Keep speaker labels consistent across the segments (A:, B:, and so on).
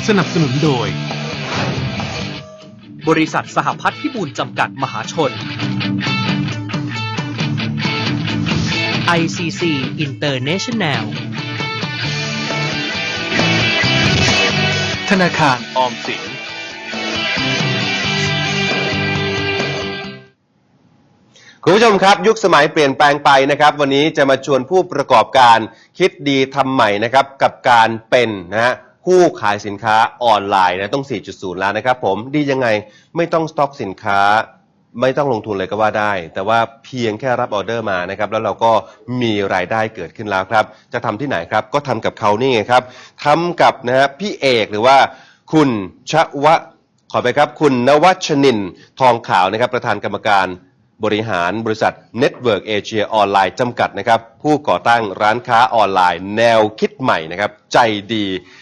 A: สนับสนุนโดย
B: บริษัทสหพัฒน์พิบูลจำกัดมหาชน ICC International
A: ธนาคารออมสิน
C: คุณผู้ชมครับยุคสมัยเปลี่ยนแปลงไปนะครับวันนี้จะมาชวนผู้ประกอบการคิดดีทำใหม่นะครับกับการเป็นผู้ขายสินค้าออนไลน์ต้อง 4.0 แล้วนะครับผมดียังไงไม่ต้องสต็อกสินค้าไม่ต้องลงทุนเลยก็ว่าได้แต่ว่าเพียงแค่รับออเดอร์มานะครับแล้วเราก็มีรายได้เกิดขึ้นแล้วครับจะทำที่ไหนครับก็ทำกับเขานี่ไงครับทำกับพี่เอกหรือว่าคุณขอไปครับคุณนวัชนินทร์ทองขาวนะครับประธานกรรมการบริหารบริษัท Network Asia ออนไลน์จำกัดนะครับผู้ก่อตั้งร้านค้าออนไลน์แนวคิดใหม่นะครับใจดี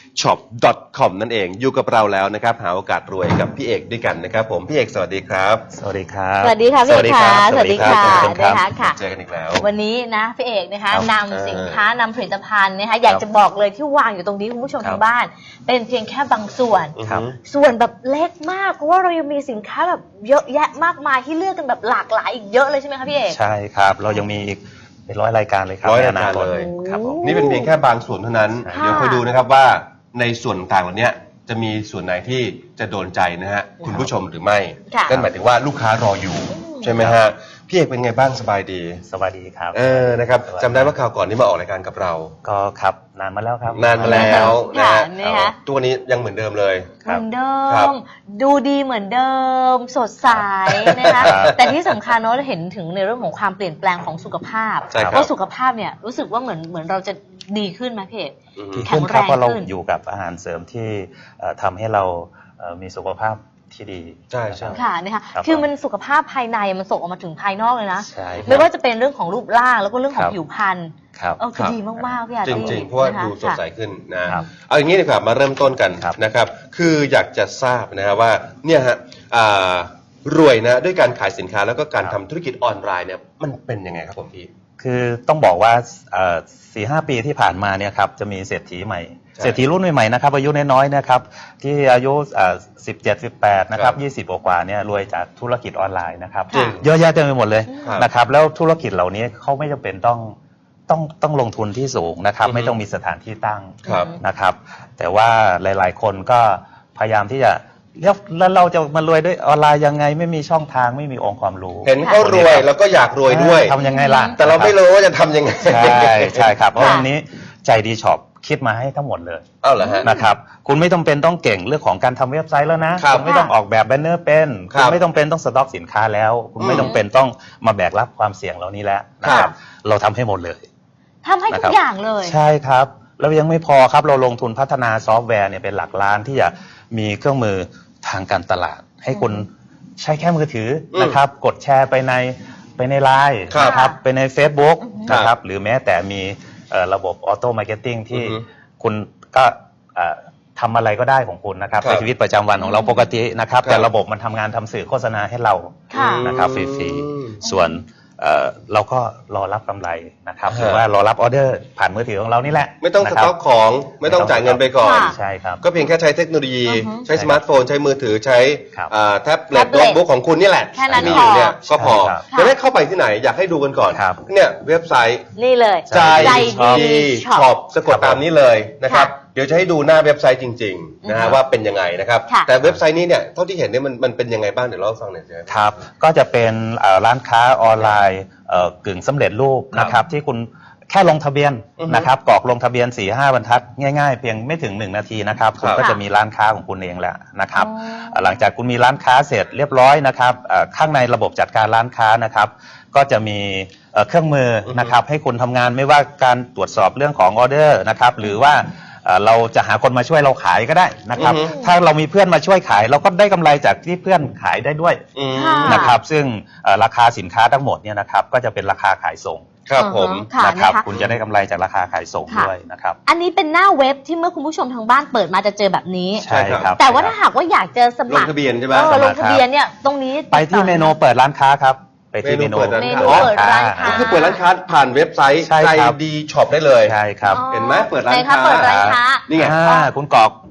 C: shop.com นั่นเองอยู่กับเราแล้วนะครับหาโอกาสรวยกับพี่เอกด้วยกันนะครับผมพี่เอกสวัสดีครับ
D: สวัสดีครับ
E: สวัสดีค่ะพี่เอกค่ะสวัสดีค่ะ
C: นะคะเจอกันอีกแล้ว
E: วันนี้นะพี่เอกนะคะนำสินค้านำผลิตภัณฑ์นะคะอยากจะบอกเลยที่วางอยู่ตรงนี้คุณผู้ชมทางบ้านเป็นเพียงแค่บางส่วนส่วนแบบเล็กมากเพราะว่าเรายังมีสินค้าแบบเยอะแยะมากมายที่เลือกกันแบบหลากหลายอีกเยอะเลยใช่ไหมคะพี่เอก
D: ใช่ครับเรายังมีอีกเป็น100 รายการเลยครับ
C: 100 รายการเลยครับนี่เป็นเพียงแค่บางส่วนเท่านั้นเดี๋ยวคอยดูนะครับว่าในส่วนต่างเหล่านี้จะมีส่วนไหนที่จะโดนใจนะฮะคุณผู้ชมหรือไม่นั่นหมายถึงว่าลูกค้ารออยู่ใช่ไหมฮะพี่เอกเป็นไงบ้างสบายดี
D: สบายดีครับ
C: นะครับจำได้ว่าคราวก่อนที่มาออกรายการกับเรา
D: ก็ครับนานมาแล้วครับ
C: นานมาแล้วนะฮะตัวนี้ยังเหมือนเดิมเลย
E: เหมือนเดิมดูดีเหมือนเดิมสดใสนะคะแต่ที่สำคัญเนาะเห็นถึงในเรื่องของความเปลี่ยนแปลงของสุขภาพเพราะสุขภาพเนี่ยรู้สึกว่าเหมือนเราจะดีขึ้นไหมพี่เอก
D: แข็งแรงขึ้นเพราะเราอยู่กับอาหารเสริมที่ทำให้เรามีสุขภาพที่ดี
C: ใช่ใช่
E: ค่ะนะคะคือมันสุขภาพภายในมันส่งออกมาถึงภายนอกเลยนะไม่ว่าจะเป็นเรื่องของรูปร่างแล้วก็เรื่องของผิวพรรณคือดีมากๆพี่อาร์ตี้
C: จริงๆเพราะว่าดูสดใสขึ้นนะเอาอย่างนี้ดีกว่ามาเริ่มต้นกันนะครับคืออยากจะทราบนะครับว่าเนี่ยฮะรวยนะด้วยการขายสินค้าแล้วก็การทำธุรกิจออนไลน์เนี่ยมันเป็นยังไงครับผมพี่
D: คือต้องบอกว่า4-5 ปีที่ผ่านมาเนี่ยครับจะมีเศรษฐีใหม่เศรษฐีรุ่นใหม่ๆนะครับอายุน้อยๆนะครับที่อายุ17-18นะครับ20กว่าเนี่ยรวยจากธุรกิจออนไลน์นะครับเยอะแยะเต็มไปหมดเลยนะครับแล้วธุรกิจเหล่านี้เขาไม่จำเป็นต้องลงทุนที่สูงนะครับไม่ต้องมีสถานที่ตั้งนะครับแต่ว่าหลายๆคนก็พยายามที่จะแล้วเราจะมารวยด้วยออนไลน์ยังไงไม่มีช่องทางไม่มีองค์ความรู้
C: เห็นเขารวยแล้วก็อยากรวยด้วย
D: ทำยังไงล่ะ
C: แต่เราไม่รู้ว่าจะทำยังไง
D: ใช่ครับเพราะวันนี้ใจดีช็อปคิดมาให้ทั้งหมดเลย
C: เหรอฮะ
D: นะครับคุณไม่ต้องเป็นต้องเก่งเรื่องของการทำเว็บไซต์แล้วนะคุณไม่ต้องออกแบบแบนเนอร์เป็นคุณไม่ต้องเป็นต้องสต็อกสินค้าแล้วคุณไม่ต้องเป็นต้องมาแบกรับความเสี่ยงเหล่านี้แล้วนะครับเราทำให้หมดเลย
E: ทำให้ทุกอย่างเลย
D: ใช่ครับแล้วยังไม่พอครับเราลงทุนพัฒนาซอฟต์แวร์เนี่ยเป็นหลักล้านที่จะมีเครื่องมือทางการตลาดให้คุณใช้แค่มือถือนะครับกดแชร์ไปในไลน์นะครับไปใน Facebook นะครับหรือแม้แต่มีระบบออโต้มาร์เก็ตติ้งที่คุณก็ทำอะไรก็ได้ของคุณนะครับในชีวิตประจำวันของเราปกตินะครับแต่ระบบมันทำงานทำสื่อโฆษณาให้เรานะครับฟรีๆส่วนเราก็รอรับกำไรนะครับหรือว่ารอรับออเดอร์ผ่านมือถือของเรานี่แหละ
C: ไม่ต้องสต็อกของไม่ต้องจ่ายเงินไปก่อน
D: ใช่ครับ
C: ก็เพียงแค่ใช้เทคโนโลยีใช้สมาร์ทโฟนใช้มือถือใช้แท็บเล็ตโน้ตบุ๊กของคุณนี่แหละ
E: มี
C: อยู่เนี่ยก็พอจะได้เข้าไปที่ไหนอยากให้ดูกันก่อนเนี่ยเว็บไซต์
E: นี่เลย
C: ใจดีช็อปสะกดตามนี้เลยนะครับเดี๋ยวจะให้ดูหน้าเว็บไซต์จริงๆนะฮะว่าเป็นยังไงนะครับแต่เว็บไซต์นี้เนี่ยเท่าที่เห็นเนี่ยมันเป็นยังไงบ้างเดี๋ยวเล่าให้ฟังหน่อย
D: ครับก็จะเป็นร้านค้าออนไลน์กึ่งสำเร็จรูปนะครับที่คุณแค่ลงทะเบียนนะครับกรอกลงทะเบียน 4-5 บรรทัดง่ายๆเพียงไม่ถึง1 นาทีนะครับคุณก็จะมีร้านค้าของคุณเองแล้วนะครับหลังจากคุณมีร้านค้าเสร็จเรียบร้อยนะครับข้างในระบบจัดการร้านค้านะครับก็จะมีเครื่องมือนะครับให้คุณทำงานไม่ว่าการตรวจสอบเรื่องของออเดอร์นะครับหรือว่าเราจะหาคนมาช่วยเราขายก็ได้นะครับถ้าเรามีเพื่อนมาช่วยขายเราก็ได้กำไรจากที่เพื่อนขายได้ด้วยนะครับซึ่งราคาสินค้าทั้งหมดเนี่ยนะครับก็จะเป็นราคาขายส่ง
C: ครับผม
D: นะครับคุณจะได้กำไรจากราคาขายส่งด้วยนะครับ
E: อันนี้เป็นหน้าเว็บที่เมื่อคุณผู้ชมทางบ้านเปิดมาจะเจอแบบนี้
D: ใช่ครับ
E: แต่ว่าถ้าหากว่าอยากจะสมัคร
C: ลงทะเบียนใช่ไหม
E: ลงทะเบียนเนี่ยตรงนี้
D: ไปที่เมนูเปิดร้านค้าครับไปที่เมนู
E: เปิดร้านค้า
C: คือเปิดร้านค้าผ่านเว็บไซต์ใจดีช็อปได้เลย
D: ใช่ครับ
C: เห็นไหมเปิดร้านค้า
E: เปิดร้านค้า
C: นี่ไง
D: คุณก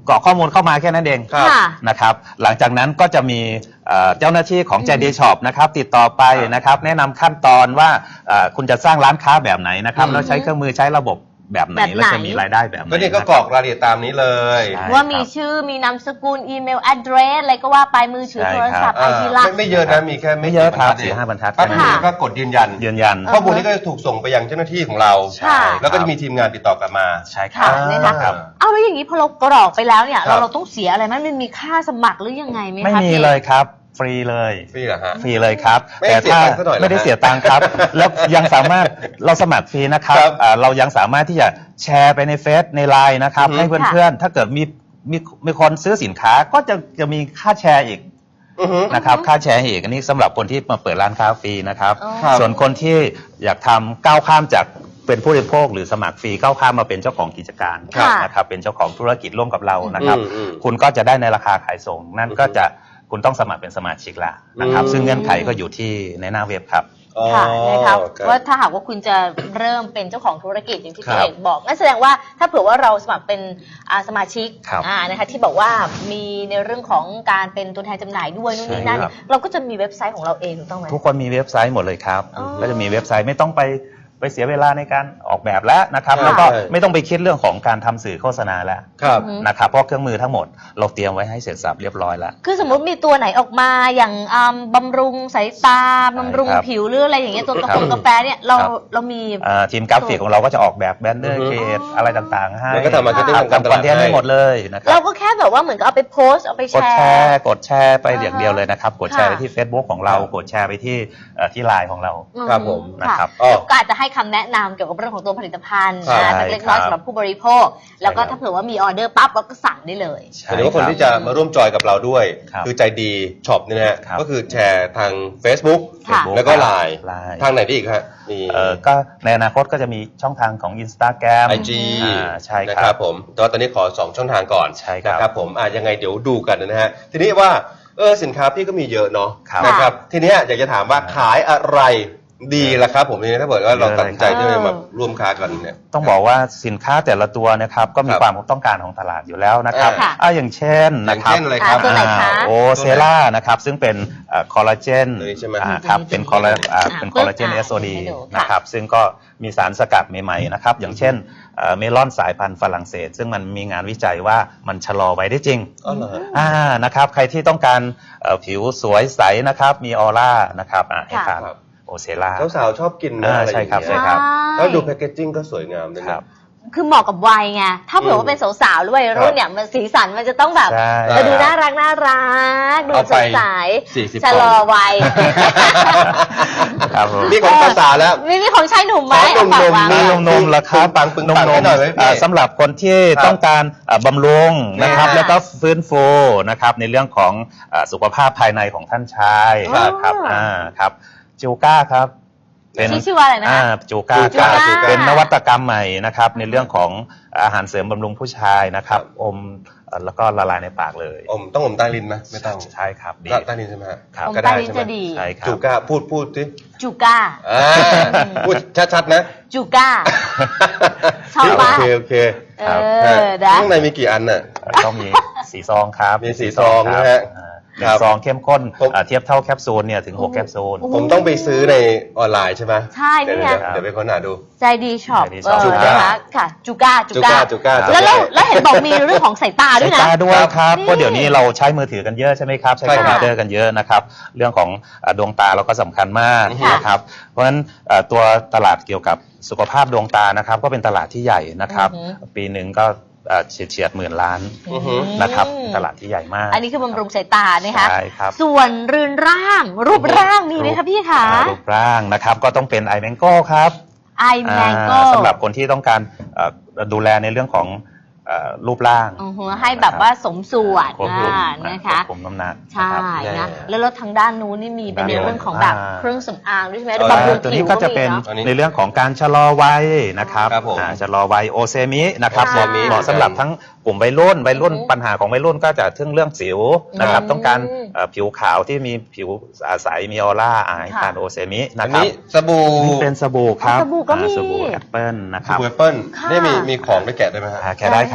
D: กรอกข้อมูลเข้ามาแค่นั้นเอง
C: ครับ
E: ค่ะ
D: นะครับหลังจากนั้นก็จะมีเจ้าหน้าที่ของ JD Shop นะครับติดต่อไปนะครับแนะนำขั้นตอนว่าคุณจะสร้างร้านค้าแบบไหนนะครับแล้วใช้เครื่องมือใช้ระบบแบบไหนแล้วจะมีรายได้แบบไหน
C: ก็นี่ก็กรอกรายละเอียดตามนี้เลย
D: ใช่
E: ว่ามีชื่อมีนามสกุลอีเมล address อะไรก็ว่าไปมือถือ
D: ใช่
E: โทรศัพท์
D: ครั
E: ไอบ ทีละ
C: ไม่เยอะนะมีแค่
D: ไม่เยอะครับ
C: กี่
D: 4-5 บรรทัด
C: แป๊บ
D: แค่
C: นึ
D: นั้น
C: งก็กดยืนยัน
D: ยืนยัน
C: ข้อมูลนี้ก็จะถูกส่งไปยังเจ้าหน้าที่ของเรา
E: ค่ะ
C: แล้วก็จะมีทีมงานติดต่อกลับมา
D: ใช่ครั
E: ค่ะ
D: บ
E: นะคะ
D: ครับ
E: เอาแล้วอย่างนี้พอเรากรอกไปแล้วเนี่ย
C: ครับ
E: เราต้องเสียอะไรไหมมันมีค่าสมัครหรือยังไงไหมคะ
D: ไม่มี
E: พี่
D: เลยครับฟรีเลย
C: ฟรีเหรอฮะ
D: ฟรีเลยครับ
C: ไม่ได้เสียตังค์ซะหน่อยเหรอฮะ
D: ไม่ได้เสียตังค์ครับ แล้วยังสามารถเราสมัครฟรีนะครับ
C: ครับ
D: เรายังสามารถที่จะแชร์ไปในเฟซในไลน์นะครับ
C: อือฮึ
D: ให้เพื่อนๆถ้าเกิดมีคนซื้อสินค้าก็จะมีค่าแชร์อีก
C: อือฮึ
D: นะครับค่าแชร์อีกอันนี้สำหรับคนที่มาเปิดร้านค้าฟรีนะครับ
E: อ๋อ
C: ครับ
D: ส่วนคนที่อยากทำก้าวข้ามจากเป็นผู้บริโภคหรือสมัครฟรีก้าวข้ามมาเป็นเจ้าของกิจการ
E: ค่ะ
D: นะครับเป็นเจ้าของธุรกิจร่วมกับเรานะครับ
C: อืม
D: คุณก็จะได้ในราคาขายส่ง นั่นก็จะคุณต้องสมัครเป็นสมาชิกละนะครับ ซึ่งเงื่อนไขก็อยู่ที่ในหน้าเว็บครับ
C: อ๋อ
E: ค่ะนะครับ
C: ครับ
E: ว่าถ้าหากว่าคุณจะเริ่มเป็นเจ้าของธุรกิจอย่างที่
C: ครั
E: พี่
C: บ
E: เอกบอกนั่นแสดงว่าถ้าเผื่อว่าเราสมัครเป็นสมาชิก
D: ครับ
E: นะคะที่บอกว่ามีในเรื่องของการเป็นตัวแทนจำหน่ายด้วยนู่นนี่นั่นเนี่ยเราก็จะมีเว็บไซต์ของเราเองถูกต้องไหม
D: ทุกคนมีเว็บไซต์หมดเลยครับ
E: อ๋อ
D: ก็จะมีเว็บไซต์ไม่ต้องไปเสียเวลาในการออกแบบแล้วนะครับ
C: ใช่
D: แล้วก็ไม่ต้องไปคิดเรื่องของการทำสื่อโฆษณาแล้ว
C: ครับ
D: นะครับเพราะเครื่องมือทั้งหมดเราเตรียมไว้ให้เสร็จสับเรียบร้อยแล้ว
E: คือสมมุติมีตัวไหนออกมาอย่างบำรุงสายตาบำรุง
D: ครับ
E: ผิวหรืออะไรอย่างเงี้ยตัวกา
D: ครับ
E: แฟเนี่ยเรา
D: ครับ
E: เรามี
D: ทีมกราฟิกของเราก็จะออกแบบแบนเนอ
C: อื
D: ร์
C: อฮึ
D: เกตอะไรต่างๆให้
C: แล้วก็ทำ marketing
D: ครับ
C: ทำการต
D: ทำค
C: ลา
D: อ
C: ด
D: นเทนต์ให้หมดเลยนะครั
E: เรา
D: บ
E: ก็แค่แบบว่าเหมือนกับเอาไปโพสต์เอาไปแช
D: กดแชร์ไป
E: อ่าฮะ
D: อย่างเดียวเลยนะครับกดแชร์ไป
E: ค่ะ
D: ที่ Facebook ของเรากดแชร์ไปที่ไลน์ของเรา
C: ครับผม
D: นะครับ
E: แล้วก็อาจจะให้คำแนะนำเกี่ยวกับเรื่องของตัวผลิตภัณฑ์
C: ครับ
E: สักเล็กน้อย
D: ครับ
E: สำหรับผู้บริโภค แล้วก็
D: ใช่ครับ
E: ถ้าเผื่อว่ามีออเดอร์ปั๊บเราก็สั่งได้เลย
C: หรือว่าคนที่จะมาร่วมจอยกับเราด้วย
D: ครับ
C: คือใจดีช็อปเนี่ยนะฮะ
D: ครับ
C: ก็คือแชร์ทาง Facebook
E: ค่ะ
C: แล้วก็ไลน์
D: ไลน์
C: ทางไหนได้อีกฮะมี
D: ก็ในอนาคตก็จะมีช่องทางของ Instagram
C: IG
D: ใช่
C: นะ
D: ค
C: ค
D: รั
C: รั
D: บบ
C: ผมแต่ว่าตอนนี้ขอ 2 ช่องทางก่อน
D: ใช่ครับ
C: นะครับผมยังไงเดี๋ยวดูกันนะฮะทีนี้ว่าสินค้าพี่ก็มีเยอะเนาะ
D: ครับ
C: นะครับทีเนี้ยอยากจะถามว่าขายอะไรดีล่ะครับผมนี่ถ้าเกิดว่าเราตัดสินใจที่จะมาร่วมค้ากันเนี่ย
D: ต้องบอกว่าสินค้าแต่ละตัวนะครับก็มี
C: ครับ
D: ความต้องการของตลาดอยู่แล้วนะครับ
E: ค่ะ
D: อย่างเช่น
C: อย่า
D: นะ
C: ง
D: ครับ
C: เช่นอะไรครับ
E: ตัวไหนคะ
D: โอเซล่านะครับซึ่งเป็นคอลลาเจน
C: ตัวนี้ใช่ไหม
D: ครับเป็นคอลลาเจน SOD
E: ให้ดูค่ะ
D: นะครับซึ่งก็มีสารสกัดใหม่ๆนะครับอย่างเช่นเมลอนสายพันธุ์ฝรั่งเศส ซึ่งมันมีงานวิจัยว่ามันชะลอไว้ได้จริง
C: อ๋อเหรอ
D: นะครับใครที่ต้องการผิวสวยใสนะครับมีออร่านะครับให้ทาน
C: ครับ
D: โอเซล่า
C: สาวๆชอบกินนะอะไรอ
D: ใช่
C: ย่าง
D: ครับ
C: เงี้
D: ใช่
C: ย
D: ครับ
C: แล้วดูแพคเกจจิ้งก็สวยงามด้วย
D: ครั
C: นะ
D: บ
E: คือเหมาะกับวัยไง ถ้าเผื่อว่าเป็นสาวๆหรือวัยรุ่นเนี่ยมันสีสันมันจะต้องแบบ
D: ใช่
E: ดูน่ารักดู
C: เอา
E: ส
C: ไป
E: ดใส
C: 40
E: ชะลอวัย
D: ครับผม
C: นี่ของภาษาแล้ว
E: มีของชายหนุ่มไหม
C: ขอหนุ่มๆ
E: เอาฝากวาง
C: มี
E: ไว้
D: นมๆละครับ
C: ปึงปังให้หน่อยไหมพี่
D: สำหรับคนที่
C: ครับ
D: ต้องการบำรุงนะครับ
E: ค่ะ
D: แล้วก็ฟื้นฟูนะครับในเรื่องของสุขภาพภายในของท่านชาย
E: ครับ
D: ครับครับจูก้าครับ
E: ชื่อว่าอะไรนะคะ
D: จูก้า
C: จูก้า
D: เป็นนวัตกรรมใหม่นะครับในเรื่องของอาหารเสริมบำรุงผู้ชายนะครับอมแล้วก็ละลายในปากเลย
C: ต้องอมใต้ลิ้นไหมไม่ต้อง
D: ใช่ครับดี
C: ใต้ลิ้นใช่ไหมฮะ
D: ครับ
E: อม
C: ก็
E: ใต้
C: ได้
E: ลิ้น
C: ใช่ไหม
E: จะดี
D: ใช่ครับ
C: จูก้าพูดสิ
E: จูก้า
C: พูดชัดๆนะ
E: จูก้า ชอบปะ
C: โอเค
E: เออนะ
C: ข้างในมีกี่อันน่ะ
D: ต้องมีสีซองครับ
C: มีสีซองนะฮะ
D: หนึ่งซองเข้มข้น
C: ผม
D: เทียบเท่าแคปซูลเนี่ยถึง6แคปซูล
C: ผมต้องไปซื้อในออนไลน์ใช่ไหม
E: ใช่นี่ไง
C: เดี๋ยวไปค้นหาดู
E: ใจดีช็อป
D: ใจดีช็อป
E: นะคะค่ะจูก้า
C: จูก้า
E: แล้วเห็นบอกมีเรื่องของสายตาด้วย
D: สาย
E: นะ
D: ตาด้วยครับ
E: นี่
D: เพราะเดี๋ยวนี้เราใช้มือถือกันเยอะใช่ไหมครับ ใช้
C: ใช่
D: คอม
C: ครับ
D: พิวเตอร์กันเยอะนะครับ เรื่องของดวงตาเราก็สำคัญมาก
E: ค่ะ
D: นะครับ เพราะฉะนั้นตัวตลาดเกี่ยวกับสุขภาพดวงตานะครับ ก็เป็นตลาดที่ใหญ่นะครับ ปีหนึ่งก็เฉียดหมื่นล้าน
C: อือฮึ
D: นะครับตลาดที่ใหญ่มาก
E: อันนี้คือบำรุงสายตานะคะ
D: ใช่ครับ
E: ส่วนรืนร่าง รูปร่างมีไหมคะพี่คะ
D: รูปร่างนะครับก็ต้องเป็นไอแมงโก้ครับ
E: ไอแมงโก้
D: สำหรับคนที่ต้องการดูแลในเรื่องของรูปร่าง
E: ให้แบบว่าสมส่วน
D: ควบคุม
E: นะคะ
D: ควบคุมน้ำหนัก
E: ใช่
C: นะครับ
E: นะแล้วรถทางด้านนู้นนี่มีเป็นในเรื่องของแบบ
D: อ่า
E: เครื่องสำอางด้วยใช่ไหม
C: เออ
E: บำรุง
D: ตัว
E: ผิ
D: นี้
E: ว
D: ก็
E: ก็
D: จะ
E: มี
D: เป็น
E: เนาะ
C: อันนี้
D: ในเรื่องของการชะลอวัยนะครับ
C: ครับผม
D: ชะลอวัยโอเซมินะครับ
E: ค่ะ
D: เหมาะสำหรับทั้งกลุ่มวัยรุ่นปัญหาของวัยรุ่นก็จะถึงเรื่องสิวนะครับ ต้องการผิวขาวที่มีผิวใสมีออร่าให้ทานโอเซมิ
C: อั
D: นะ
C: น
D: ครับ
C: นี้สบู่
D: นี่เป็นสบู่ครับ
E: สบู่ก็มี
D: สบู่แอปเปิลนะค
C: ส
D: รับ
C: บู่แอปเปิ้ล
E: ค่ะ
C: นี่มีของได้แกะได้ไหมฮะ
D: แค่ได้ครับ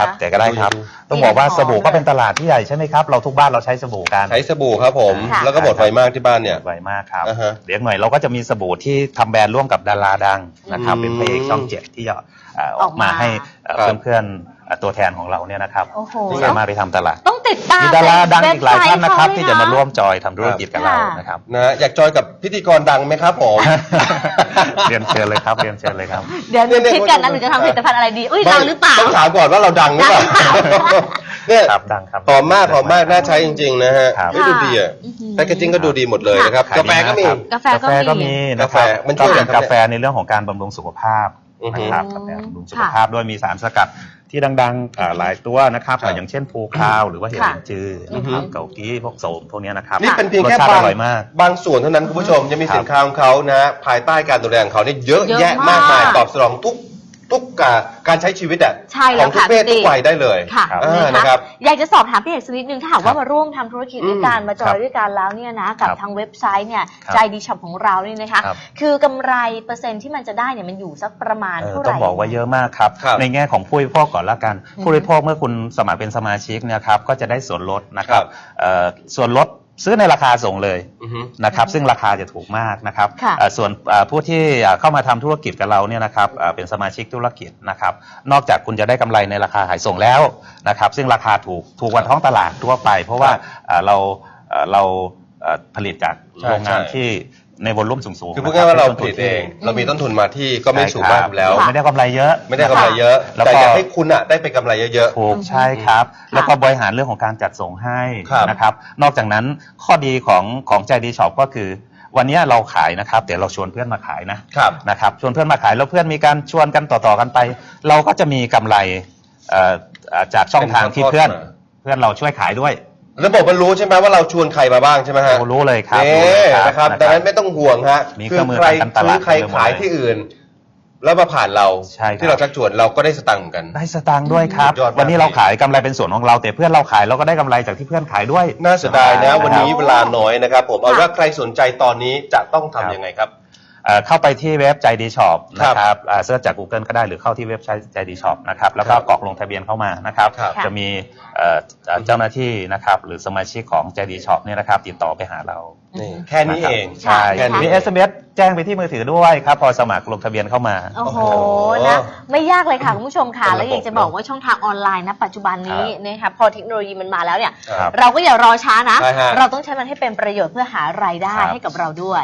D: ครับแจกก็ได้ครับต้องบอกว่าสบู่ก็เป็นตลาดที่ใหญ่ใช่ไหมครับเราทุกบ้านเราใช้สบู่กัน
C: ใช้สบู่ครับผม
E: ค่ะ
C: แล้วก็หมดไวมากที่บ้านเนี่ย
D: ไวมากครับ
C: อ่าฮะ
D: เดี๋ยวหน่อยเราก็จะมีสบู่ที่ทำแบรนด์ร่วมกับดาราดังนะครับ
C: อืม
D: เป็นพระเอกช่อง 7ที่ออกมาให้
C: ครับ
D: เพื่อนๆตัวแทนของเราเนี่ยนะครับ
E: โอ้โห
D: ที่สามารถไปทำตลาด
E: ต้องติดตาม
D: มีดาราดังอีกหลายท่านนะครับ
E: เว็บไซต์
D: ที่จะมาร่วม
E: เข
D: จอยทำธุรกิจกับเรานะครับ
C: นะฮะอยากจอยกับพิธีกรดังไหมครับผม
D: เรียนเชิญเลยครับเรียนเชิญเลยครับ
E: เดี๋ยวหนูคิดกันนะหนูจะทำผลิตภัณฑ์อะไรดีอุ้ยเราหรือเปล่า
C: ต้องถามก่อนว่าเราดังหรือเปล่า เนี่ย
D: ครับดังครับ
C: หอมมากน่าใช้จริงๆนะฮะ
D: ครับ
C: ไม่ดูดีอ่ะ
E: อื้อหือ
C: แพคเกจิ้งก็ดูดีหมดเลยนะครับ
D: ขาย
C: กาแฟก็มี
D: ดีมากครับ
E: กาแฟก็มี
D: นะครับ
C: กาแฟมันช่วยอะไรครับ
D: กาแฟในเรื่องของการบำรุงสุขภาพนะครับ
E: อืม
D: กาแฟบำรุงสุขภาพด้วยมีสารสกัดที่ดังๆหลายตัวนะครับ
C: ครับ
D: อย่างเช่นภูคาวหรือว่าเห็ดลินจือนะครับเกากี้พวกโสมพวกเนี้ยนะครับ
C: นี่เป็นเพียง
D: รส
C: แค่
D: ชาติ
C: บา
D: อง ร่อยมาก
C: บางส่วนเท่านั้นคุณผู้ชมยังมี
D: ครับ
C: สินค้าของเขานะฮะภายใต้การดูแลของเขาเนี่ยเยอะ
E: เยอะ
C: แยะมากมาย
E: มาก
C: ตอบสนองทุกการใช้ชีวิตอ่ะ
E: ใช่
C: ข
E: แล้
C: อง
E: ว
C: ทุก
E: ค่ะ
C: เพศ
E: พี่
C: ทุกวัยได้เลย
E: ค่ะ
C: นะครับ
E: อยากจะสอบถามพี่เอกสักนิดนึงถ้าหากว่ามาร่วมทำธุรกิจด้วยกันมาจอ
D: ครั
E: ย
D: บ
E: ด้วยกันแล้วเนี่ยนะกับ
D: ครับ
E: ทางเว็บไซต์เนี่ย
D: ครับ
E: ใจดีช็อปของเรานี่นะคะ
D: ครับ
E: คือกำไรเปอร์เซ็นต์ที่มันจะได้เนี่ยมันอยู่สักประมาณเท่าไหร่
D: ต้องบอกว่าเยอะมากครับ
C: ครับ
D: ในแง่ของผู้บริโภคก่อนละกัน ผู้บริโภคเมื่อคุณสมัครเป็นสมาชิกเนี่ยครับก็จะได้ส่วนลดนะครับ
C: ครับ
D: ส่วนลดซื้อในราคาส่งเลย
C: อือฮึ
D: นะครับซึ่งราคาจะถูกมากนะครับ
E: ค่ะ
D: ส่วนผู้ที่เข้ามาทำธุรกิจกับเราเนี่ยนะครับเป็นสมาชิกธุรกิจนะครับนอกจากคุณจะได้กำไรในราคาขายส่งแล้วนะครับซึ่งราคาถูกกว่าท้องตลาดทั่วไป เพราะว่าเราผลิตจาก
C: ใช่
D: โรงงาน
C: ใช่
D: ที่ในวอลลุ่มสูงๆ
C: คือพูดง่ายๆว่าเราผลิต
D: ที่
C: เอง เรามีต้นทุนมาที่ก็ไม่สูงมากอยู่แล้ว
D: ใช่ครับไม่ได้กำไรเยอะ
C: ไม่ได้กำไรเยอะ
D: แล้ว
C: แต่
D: ก็
C: อยากให้คุณอ่ะได้ไปกำไรเยอะ
D: ถูกใช่ครับ แล้วก็บริหารเรื่องของการจัดส่งให้
C: ครับ
D: นะครับ นอกจากนั้นข้อดีของใจดีช็อปก็คือ วันนี้เราขายนะครับเดี๋ยวเราชวนเพื่อนมาขายนะครับชวนเพื่อนมาขายแล้วเพื่อนมีการชวนกันต่อๆกันไป เราก็จะมีกำไรจากช่องทางที่เพื่อนเราช่วยขายด้วย
C: ระบบมันรู้ใช่ไหมว่าเราชวนใครมาบ้างใช่ไหมฮะ
D: รู้เลยครับ
C: นี่
D: รู้เลย
C: นะครับดังนั้นไม่ต้องห่วงฮะ
D: มี
C: คื
D: เครื่องมือ
C: ใคร
D: ทางการต
C: ซื้
D: ลา
C: อ
D: ด
C: ใครขายที่อื่น แล้วมาผ่านเรา
D: ใช่ครับ
C: ที่เราชักชวนเราก็ได้สตังค์เหมือนกัน
D: ได้สตางค์ด้วยครับ
C: สุดยอดมาก
D: วันนี้เราขายกำไรเป็นส่วนของเราแต่เพื่อนเราขายเราก็ได้กำไรจากที่เพื่อนขายด้วย
C: น่าเสียดายนะวันนี้
E: ครับ
C: เวลาน้อยนะครับผมเอาว่าใครสนใจตอนนี้จะต้องทำยังไงครับ
D: เข้าไปที่เว็บใจดีช็อป
C: ครับ
D: นะครับเสิร์ชจาก Google ก็ได้หรือเข้าที่เว็บไซต์ใจดีช็อปนะครับแล้วก็
C: ครับ
D: กรอกลงทะเบียนเข้ามานะครับ
C: ครับ
D: จะมีเจ้าหน้าที่นะครับหรือสมาชิกของใจดีช็อปเนี่ยนะครับติดต่อไปหาเรา
C: นี่แค่นี้เอง
D: ใช่
C: แค่นี้
D: มี SMS แจ้งไปที่มือถือด้วยครับพอสมัครลงทะเบียนเข้ามา
E: โอ้โห
C: โอ้โห
E: นะไม่ยากเลยค่ะคุณผู้ชมค่ะ
C: เป็นระบบ
E: แล้วอยากจะบอกว่าช่องทางออนไลน์นะปัจจุบันนี้นะคะพอเทคโนโลยีมันมาแล้วเนี่ย
C: ครับ
E: เราก็อย่ารอช้านะ
C: ใช่ฮะ
E: เราต้องใช้มันให้เป็นประโยชน์เพื่อหารายได้
D: ครับ
E: ให้กับเราด้วย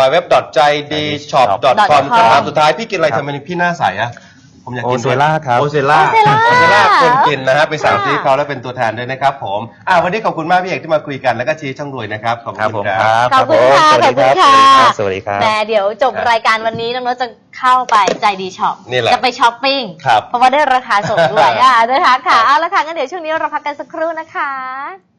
C: www.jaidshop.com คำถามสุดท้ายพี่กินอะไรทำไมพี่หน้าใสอะผมอยากกิน
D: โอเซล่าครับ
C: โอเซล่า
E: โอเซล่า
C: คนกินนะฮะไปสั่ง
E: ค่ะ
C: ที่เขาแล้วเป็นตัวแทนด้วยนะครับผมวันนี้ขอบคุณมากพี่เอกที่มาคุยกันแล้วก็ชี้ช่องรวยนะครับขอบ
D: ครับ
C: คุ
D: ผ
C: ณ
D: ม
C: ค
D: ค
C: รั
D: รับ บ
E: ขอบคุณค่ะ
D: สวัสดีครับ
E: ขอบคุณค่ะ
D: สวัสดีครับ
E: แต่เดี๋ยวจบรายการวันนี้น้องโน้ตจะเข้าไปใจดีช็อป
C: นี่แหละ
E: จะไปช้อปปิ้ง
C: ครับ
E: เพราะว่าได้ราคาส่งด้วยนะคะค่ะเอาละค่ะงั้นเดี๋ยวช่วงนี้เราพักกันสักครู่นะคะ